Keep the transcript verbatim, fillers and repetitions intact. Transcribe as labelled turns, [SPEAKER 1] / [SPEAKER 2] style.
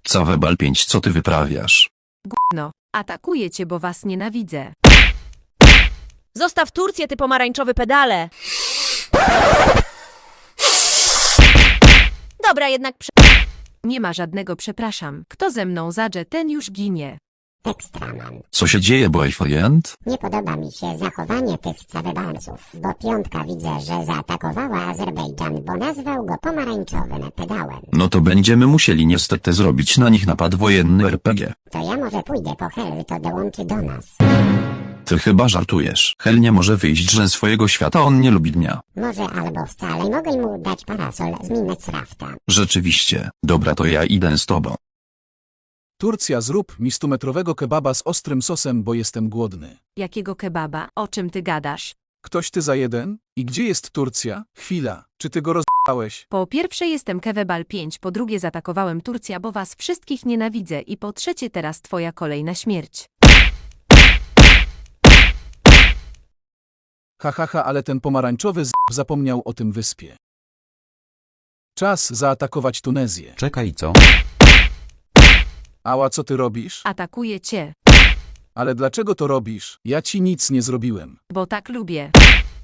[SPEAKER 1] Cawebal pięć, co ty wyprawiasz?
[SPEAKER 2] No, atakuję cię, bo was nienawidzę.
[SPEAKER 3] Zostaw Turcję, ty pomarańczowy pedale! Dobra, jednak prze...
[SPEAKER 2] Nie ma żadnego przepraszam. Kto ze mną zadrze, ten już ginie.
[SPEAKER 4] Ekstraman.
[SPEAKER 1] Co się dzieje, boyfriend?
[SPEAKER 4] Nie podoba mi się zachowanie tych cawebalców, bo piątka widzę, że zaatakowała Azerbejdżan, bo nazwał go pomarańczowym pedałem.
[SPEAKER 1] No to będziemy musieli niestety zrobić na nich napad wojenny er pe gie.
[SPEAKER 4] To ja może pójdę po Hel, to dołączy do nas.
[SPEAKER 1] Ty chyba żartujesz. Hel nie może wyjść ze swojego świata, on nie lubi dnia.
[SPEAKER 4] Może albo wcale, mogę mu dać parasol z Minecrafta.
[SPEAKER 1] Rzeczywiście. Dobra, to ja idę z tobą.
[SPEAKER 5] Turcja, zrób mi stumetrowego kebaba z ostrym sosem, bo jestem głodny.
[SPEAKER 2] Jakiego kebaba? O czym ty gadasz?
[SPEAKER 5] Ktoś ty za jeden? I gdzie jest Turcja? Chwila, czy ty go roz***ałeś?
[SPEAKER 2] Po pierwsze jestem Kewebal pięć, po drugie zaatakowałem Turcja, bo was wszystkich nienawidzę i po trzecie teraz twoja kolej na śmierć.
[SPEAKER 5] Ha, ha, ha, ale ten pomarańczowy z** zapomniał o tym wyspie. Czas zaatakować Tunezję.
[SPEAKER 6] Czekaj, co?
[SPEAKER 5] Ała, co ty robisz?
[SPEAKER 2] Atakuję cię,
[SPEAKER 5] Ale dlaczego to robisz? Ja ci nic nie zrobiłem.
[SPEAKER 2] bo tak lubię.